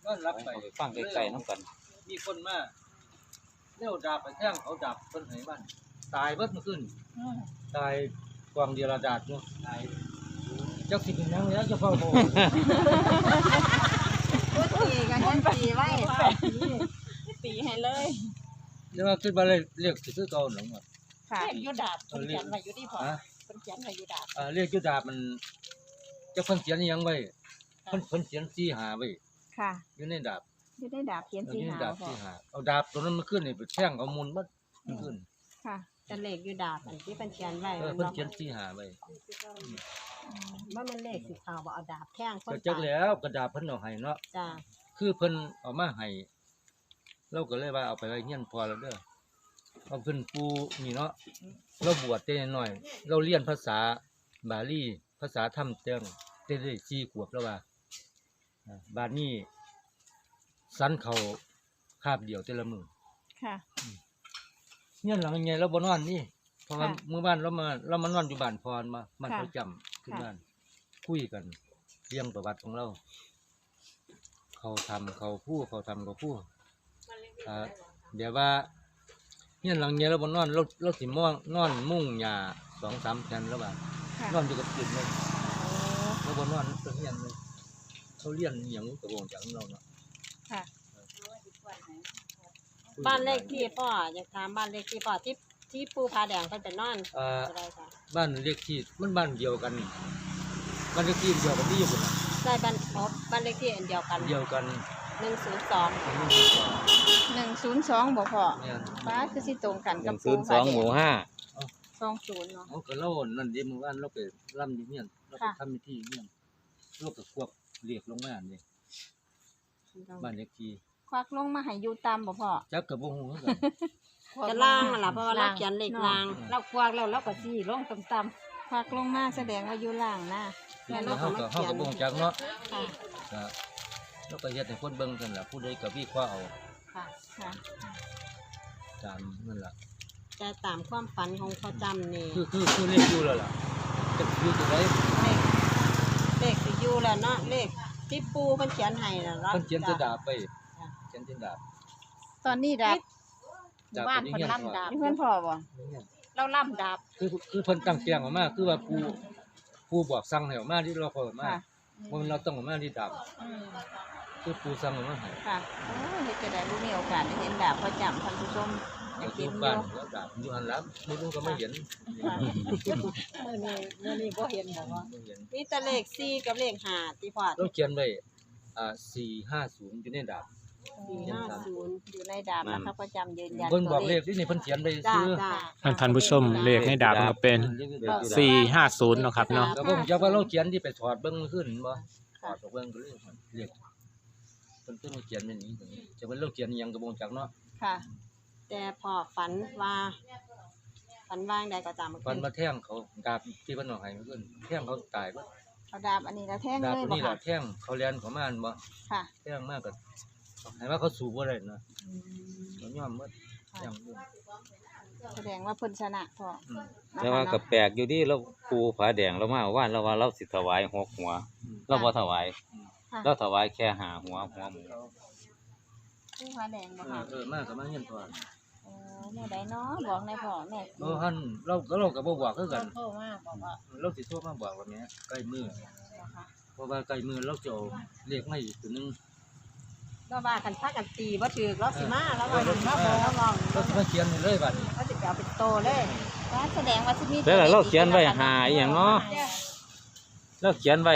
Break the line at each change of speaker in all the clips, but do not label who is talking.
ก็รับไป
เอาไปฟังไกลๆน้ำกัน
มีคนมาเลี้ยวดาบไปแท่งเขาดับคนไหนบ้านตายเบิดเมื่อคืนตายกวางเดียร์ดาดเนาะตายเจ้าสิเป็นยังแล้วจะเฝ้าโม
พูดตีกันยันตีไว้ตีให้เลย
เดี๋ยวขึ้นมาเลยเรียกสิคือเก่าหนังอ่ะ
ค่ะยุดาบเป็นเขียนไว้ยุดีพอ
ฮะ
เป็นเขียนไว้ยุดาบ
เรียกยุดาบมันเจ้าเพิ่นเขียนอิหยังไว้เพิ่นเขียนสีหาไว้
ค่ะ
อยู่ในดาบ
ยุได้ดาบเขียน
อยู่
สี
ใน
หา
ดาบ
พอ
สีหาเอาดาบตัวนั้นมาขึ้นนี่ไปแท่งเอามูลมัดขึ้น
ค่ะ
แต่เลขอยู่ดาบอันที่เป็นเขียนไว้
เพิ่นเขียนสีหาไว้
ว่ามันเลขสิขาวบ่เอาดาบแท่งคน
ก็จักแล้วกระดาษเพิ่นเอาให้เนาะ
จ้า
คือเพิ่นเอามาให้เราก็เลยว่าเอาไปไว้เฮียนพอแล้วเด้อเอาเพิ่นปูนี่เนาะเราบวชแต่น้อยเราเรียนภาษาบาลีภาษาธรรมแต่ได้4 ขวบแล้วว่าบาดนี้สันเขาคาบเดียวแต่ละมื้อ
ค่ะ
เฮียนหลังใหญ่เราบ่นอนนี่เพราะว่า
ค่ะ
มื้อบ้านเรามานอนอยู่บ้านพรมาบ้าน
ค่ะ
ประจำขึ้นบ้านคุยกันเรื่องประวัติของเรา เขาทำเขาพูดเดี๋ยวว่าเนี่ยหลังเนี้ยเราบนนอนเราสิม่วงนอนมุ่งหญ้า2-3แผ่นแล้วว่า
ค่ะ
นอนอยู่กับกินเลยเราบนนอนตัวเฮียนเลยเขาเลี้ยงอหย่างกระวงจากเราเนาะ
ค่ะ
บ้านเลขที่พ่ออยากถามบ้านเลขที่พ่อที่ปูผาแดงเพิ่นเป็นนอนอะไรจ้ะ
บ้านเรียกที่มันบ้านเดียวกันบ้านเรียกที่เดียวกันที่อยู่บนน่ะ
ใช่บ้านเลขที่อันเดียวกัน
เดียวกัน
102
102บ่พอ
เนี่ย
ฟ้าคือสิตรงกันกับปู
102หมู่5
20เนาะ
เขาก็เล่านั่นเดีเมื่อวานเราไปร่ำอยู่เนี่ยเราไป
ค่ะ
ทำพิธีเนี่ยเราก็ควบเรียกลงมาเนี่ยบ้านเรียกที่
ควักลงมาให้อยู่ตามบ่พอ
จักกับบ่ฮู้คือกัน
จะล่างนั่นล่ะเพราะว่าเราเขียนเลข
เนาะ
ล่างเรากวางแล้วเราก็สิลงต่ำ
ควักลงมาแสดงว่าอยู่ล่างนะ
แล้วเขาก็บ่งจักเนาะ
ๆค่ะ
ก็แล้วก็เฮ็ดให้คนเบิ่งกันล่ะผู้ใดก็วิเคราะห์เอา
ค่ะ
ค่ะ
ตามนั่นล่ะ
แต่ตามความฝันของพ่อจำนี่
คือเลขอยู่แล้วล่ะจะอยู่ตัวใด
เลขสิอยู่แล้วเนาะเลขที่ปูเพิ่นเขียนให้น่ะ
เพิ่นเขียนจะดาบไปเขียนจะดาบ
ตอนนี้ดาบ
ดาบ
บ้าน
เป็น
เพิ่น
เงี้ย
ล่ำดาบ
นี่เพื่อนพ่อบ่
เราล่ำดาบ
คือเพิ่นตั้งแจงออกมาคือว่าผู้บอกสั่งให้ออกมาที่เราขอออกมา
ค่ะ
บ่แม่นเราต้องออกมาที่ดาบ
อืม
คือผู้สั่งออกมาให้
ค่ะโอ้ยเฮ็ดจะได้บ่มีโอกาสได้เห็นดาบประจำท่านผู้ชมอยาก
อ
เห็
ยู่
นอ
บ้าน
ยู่
แล้วดาบอยู่หั่นล่ะบ่รู้ก็ไม่เห็น
ค่ะ
มื้อนี้บ่เห็นบ่ว่า
บ่เห็น
มีแต่เลข4กับเลข5ที่พ่อ
เราเขียนไว้450อยู่ในดาบ
450
อยู่ในดาบนะคะประจำยืนยัน
เพิ่นบอก
ตัว
เลขที่นี่เพิ่นเขียนไว้
จ้า
ซื้อ
จ้า
ท่านผู้ชมเลขในดาบมันก็เป็น450เนาะครับเนาะ
ก็บ่จักว่าเราเขียนที่ไปถอดเบิ่งขึ้นบ่ถอดออกเบิ่งก็เลยเรียกเพิ่นต้องมาเขียนแบบนี้จะเป็นเราเขียนอิหยังก็บ่จักเนาะ
ค่ะ
แต่พ่อฝันว่าฝันว่าจั่งใดก็จำ
ฟันมาแท่งเขาดาบที่เพิ่นเอาให้เพิ่นแท่งเขาตายเบิด
เอาดาบอันนี้แล้วแท่ง
ดาบ
เลย
ตัว
บ่
นี้
ค่ะ
ล่ะแท่งเขาแล่นเข้ามาอันบ่
ค่ะ
แท่งมากก็ให้ว่าเขาสู้บ่ได้นะเขายอมหมดแท่งอยู่
แสดงว่าเพิ่นชนะพ่อ
อืม
แต่ว่าก็แปลกอยู่ดีเราปูผาแดงเรามาว่านเราว่าเราสิถวาย6หัว เราบ่ถวาย
ค่ะ
เราถวายแค่5หัวหมู
ผู้ฟ้าแดงบ่ค่ะ
มาก็มาเฮียนพอ
โอ้แม่ใดเนาะบอกในพ่อแม่
หั่นเราก็บ่บอกคือกัน
โทรมาบอกว่า
เราสิโทรมาบอกว่าแม่ใกล้มื้อเพราะว่าใกล้มื้อเราจะเอาเลขมาอีกตัวหนึง
เราว่ากันพากันตีบ่ถูกเราสิมาแล้วว่ามาบอกเราลอง
เราสิมาเขียนให้เลยบัดนี้
เขาสิไปเอาเป็นโตเลย
ว่าแสดงว่าสิมี
แต่เราเขียนไว้5อีหยังเนาะเราเขียนไว้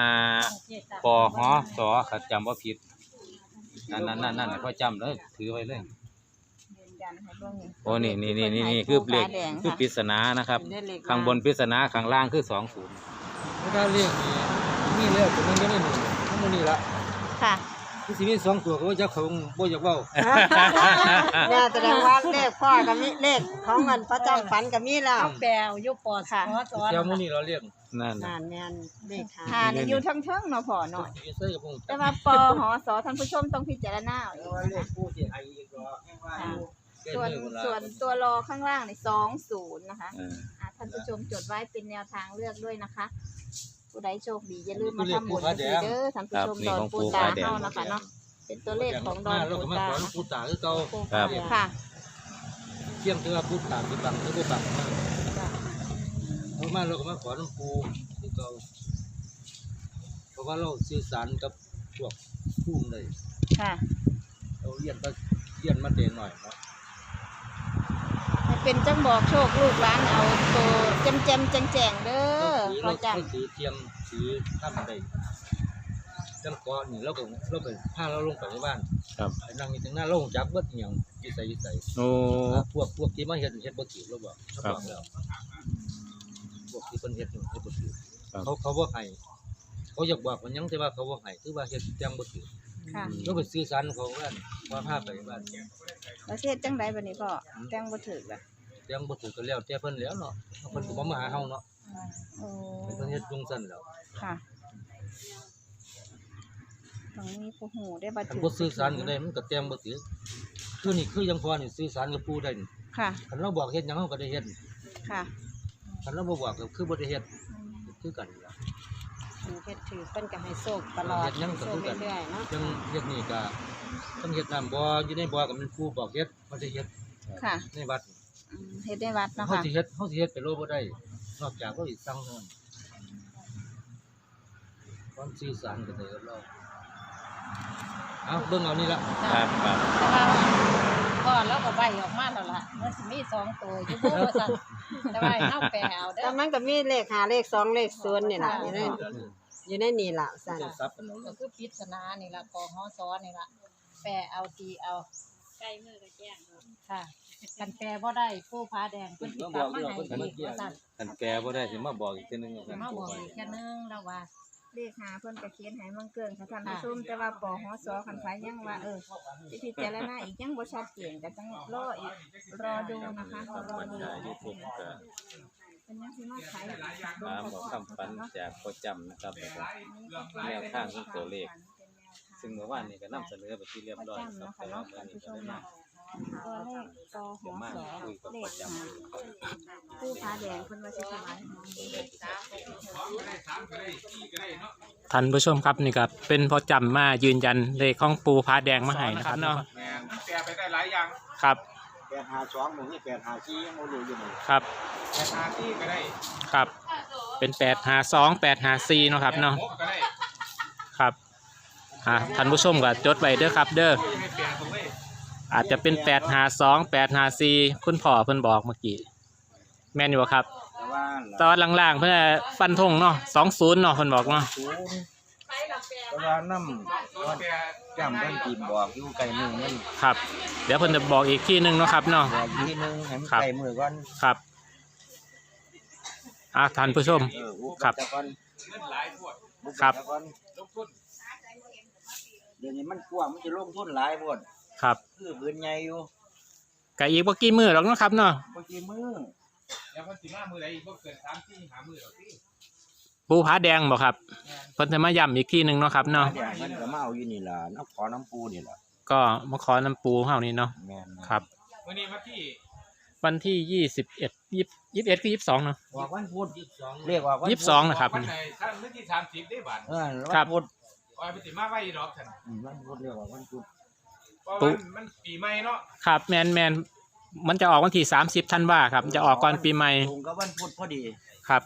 5ปหสขัดจำบ่ผิดนั่นๆๆพอจำเลยถือไว้เลย
ยืนยันให้เบิ่งนี่
โอ้นี่คือเลขคือปริศนานะครับ ข้างบนปริศนาข้างล่างคือ20
ถ้าเลขนี่แล้วตัวนึงก็ได้1ทั้งหมดนี้ละ
ค่ะ
คือสิมี2ตัวก็บ่จักเขาบ่อยากเว้า
เนี่ยแสดงว่าเลขพ่อกับมีเลขของเงินประจำฝันกับมีแล้วแปลอยู่ปอ
ค่ะ
เจ้ามื้อนี้เราเรียก
นั่น
นั่นแม่นเลข
หานี่อยู่เทิงๆเนาะพ่อเนาะ
สิใส่กับพง
แต่ว่าปหสท่านผู้ชมต้องพิจารณาเอาเอง
ว่าเล
นะ
ขผู้สิให้อีกดอกแม่งว่าอยู่
ส่วนตัวรอข้างล่างนี่20นะคะ
เออ
ท่านผู้ชมจดไว้เป็นแนวทางเลือกด้วยนะคะ ผู้ใดโชคดีอย่าลืมมาทำบุญกันเด้อท่านผู้ชมดอนปูตาเฮานะคะเนาะเป็นตัวเลขของดอน
เรา
ปู
ก็มา
ตา
ขอหลวงปู่ตาคือเก่า
ครับ
ค่ะ
เที่ยงที่ว่าปู่ตาสิบังหรือบ่บังมา
จ้ะ
เอามาเราก็มาขอหลวงปู่คือเก่าเพราะว่าเราสื่อสารกับพวกผู้เลย
ค่ะ
เราเรียนมาเดนหน่อยเนาะ
ให้เป็นจังบอกโชคลูกหลานเอาตัวแจ่มๆแจ้งๆเด้อพ่อจำ
เราถือเทียมถือถ้ำได้จังก่อนนี่เราไปพาเราลงไปในบ้าน
ครับ
ไปนั่งอยู่ตรงหน้าเราจักเบิดอหย่างยิ่ใส่
โอ้
พวกที่มาเฮ็ดบ่ถือเราบอกเขาบอกแล้วพวกที่เพิ่นเฮ็ดนี่เฮ็ดบ่ถือเขาบ่ให้เขาอยากบอกมันยังแต่ว่าเขาบ่ให้คือว่าเฮ็ดจังบ่ถือ
ค่ะ
เราไปสื่อสารเขาว่าพาไปบ้าน
ประเทศจังไดบัดนี้พ่อจังบ่ถึกล่ะ
จังบ่ถือก็แล้วแต่เพิ่นแล้วเนาะเพิ่นก็บ่มาหาเฮาเนาะ
โอ้
เพิ่นเฮ็ดจุงซั่นแล้ว
ค่ะต้องมีผู้หูได้บ่
คัน
ถึก
บ่สื่อสารกันได้มันก็แต้มบ่ถือคือนี่คือยังพอนี่สื่อสารกับปู่ได้นี่
ค่ะ
คันเราบอกเฮ็ดหยังเฮาก็ได้เฮ็ด
ค่ะ
คันเราบ่บอกก็คือบ่ได้เฮ็ดคือกันล่ะ
เฮ็ดถือเพิ่นก็ให้โชคตลอด
เฮ็ดหยังก็
โช
คือ
ค
กัน
เรื่อยๆเนาะ
จังเฮ็ดนี่ก็ต้องเฮ็ดน้ำบ่อยู่ในบ่ก็มันปู่บอกเฮ็ดบ่ได้เฮ็ด
ค่ะ
ในวัด
เฮ็ดได้วัดเนาะ
เฮา
ค่ะ
สิเฮ็ดไปโลบ่ได้นอกจากเราสิสั่งเท่านั้นความสื่อสารกันได้กับเราเอาเบิ่งเอานี่ล่ะ
ครับครับ
ก็แล้วก็ใบออกมาแล้วล่ะมันสิมี2ตัวอยู่บ่ว่าซั่นแต่ว่าให้เฮาแปลเอาเด้
แต่
อ
มันก็มีเลข5เลข2เลข0นี่ล่ะอยู่ในนี่ล่ะสั่น
ซับกันเอา
ก็คือปริศนานี่ล่ะกหสนี่ล่ะแปลเอาตีเอาใกล้มือก็แจ้งค่ะกันแปลบ่ได้ผู้พาแดงเพิ่นสิกลับมาให้อีกว่าซั่น
ท่านแกบ่ได้สิมาบอกอีกทีนึงว่า
สิมาบอกอีกแค่นึงแล้วว่า
เลขหาเพิ่นก็เขียนให้มังเกิงค่ะท่านผู้ชมแต่ว่าปหสคันไฟยังว่าสิพิจารณาอีกยังบ่ชัดเจนก็ต้องรออีกรอดูนะคะรอดู
ยูทูบก็
เป็นยังสิมาขาย
มาบอกคำฝันจากพ่อจำนะครับแล้วก็แนวทางของตัวเลข ซึ่งเมื่อวานนี้ก็นำเสนอไปที่เรียบร้อยครับแต่ว่ามื้อนี้ก็ได้มา
ตัวเลขปห
เดี๋ยวมา
ส
คุยกับ
เล
พ่อ
ข
จำ
หาผู้พาแดงเพิ่นว่าสิถวายของ
ท่านผู้ชมครับนี่ครับเป็นพอจำมายืนยันเลขของปูพาแดงมาให้นะครับเนาะ
แม่นแปลไปได้หลายอย่าง
ครับ
852หมู่นี่854ยังบ่รู้อยู่นี่
ครับ
854ก็ได้
ครับเป็น852 854เนาะครับเนาะ
6ก็ได้
ครับท่านผู้ชมก็จดไว้เด้อครับเด้อ
ยังให้แปลตรงเลย
อาจจะเป็น852 854คุณพ่อเพิ่นบอกเมื่อกี้แม่นอยู่บ่ครับ
แต่ว่า
ตอนล่างๆเพิ่นฟันธงเนาะ20เนาะเพิ่นบอกเนาะ
แต่ว่านำว่าจำเพิ่นสิบอกอยู่ไกลมือมัน
ครับ เดี๋ยวเพิ่นจะบอกอีกที่นึงเนาะครับเนาะ
บอกอีกทีนึงให้มัน
ครับ
ไกลมือก่อน
ครับท่านผู้ชม
อุก
ครับ
แต่ก่อน
ครับ
อุกแต่ก่อนเดี๋ยวนี้มันกว้างมันจะลงทุนหลายโพด
ครับ
คือพื้นใหญ่อยู่
ก็อีกบ่กี่มื้อหรอกเนาะครับเนาะ
บ่กี่มือ
แล้วเพิ่นสิมามื้อใดอีกบ่เกิน3-4 5มื้อดอกติ
ปูผาแดงบ่ครับเพิ่นจะมาย้ำอีกที่นึงเนาะครับเนาะ
เดี๋ยวมันก็มาเอาอยู่นี่ล่ะน้ำขอน้ำปูนี่ล่ะ
ก็มาขอน้ำปูเฮานี่เนาะ
แม่น
ครับ
มื้อนี้วันที่
วันที่21คือ22เนาะ
ว่าวันพุธ
22
เรียกว่าวันพุธ
22นะครับ
วันไหนท่านมื้อที่30ได้บาด
ครับ
วันพุธ
ว่าไปสิมาไว้ดอกท่าน
วันพุธเรียกว่าวันพุธ
เพราะว่ามันปีใหม่เนาะ
ครับแมนมันจะออกวันที่30ธันวาครับจะออกก่อนปีใหม่
ตรงกับวันพุธพอดี
ครับ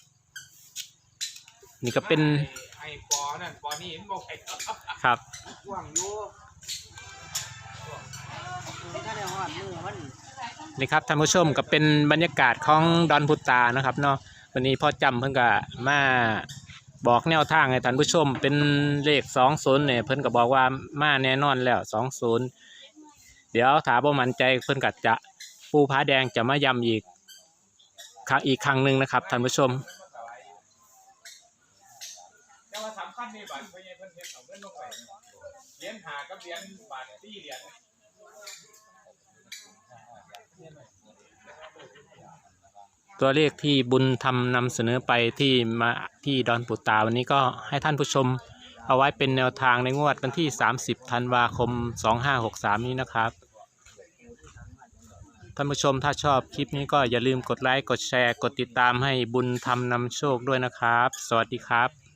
นี่ก็เป็น
ไอ้ปอนั่นปอนี่มันบ่ไป
ครับ
กว้างอยู่ถ้าได้ฮอดมือมัน
นี่ครับท่านผู้ชมก็เป็นบรรยากาศของดอนพุตานะครับเนาะวันนี้พ่อจำเพิ่นก็มาบอกแนวทางให้ท่านผู้ชมเป็นเลข20เนี่ยเพิ่นก็บอกว่ามาแน่นอนแล้ว20เดี๋ยวถ้าบ่มั่นใจเพิ่นก็จะปูผาแดงจะมาย้ำอีกครั้งหนึงนะครับท่านผู้ชม
แต่ว่าสำคัญนี่บาดเพิ่นเฮ็ดเอาเงินลงไปเหรียญ5กับเหรียญบาท4เหรียญ
ตัวเลขที่บุญทำนำเสนอไปที่ดอนปุตาวันนี้ก็ให้ท่านผู้ชมเอาไว้เป็นแนวทางในงวดวันที่30ธันวาคม2563นี้นะครับท่านผู้ชมถ้าชอบคลิปนี้ก็อย่าลืมกดไลค์กดแชร์กดติดตามให้บุญทำนำโชคด้วยนะครับสวัสดีครับ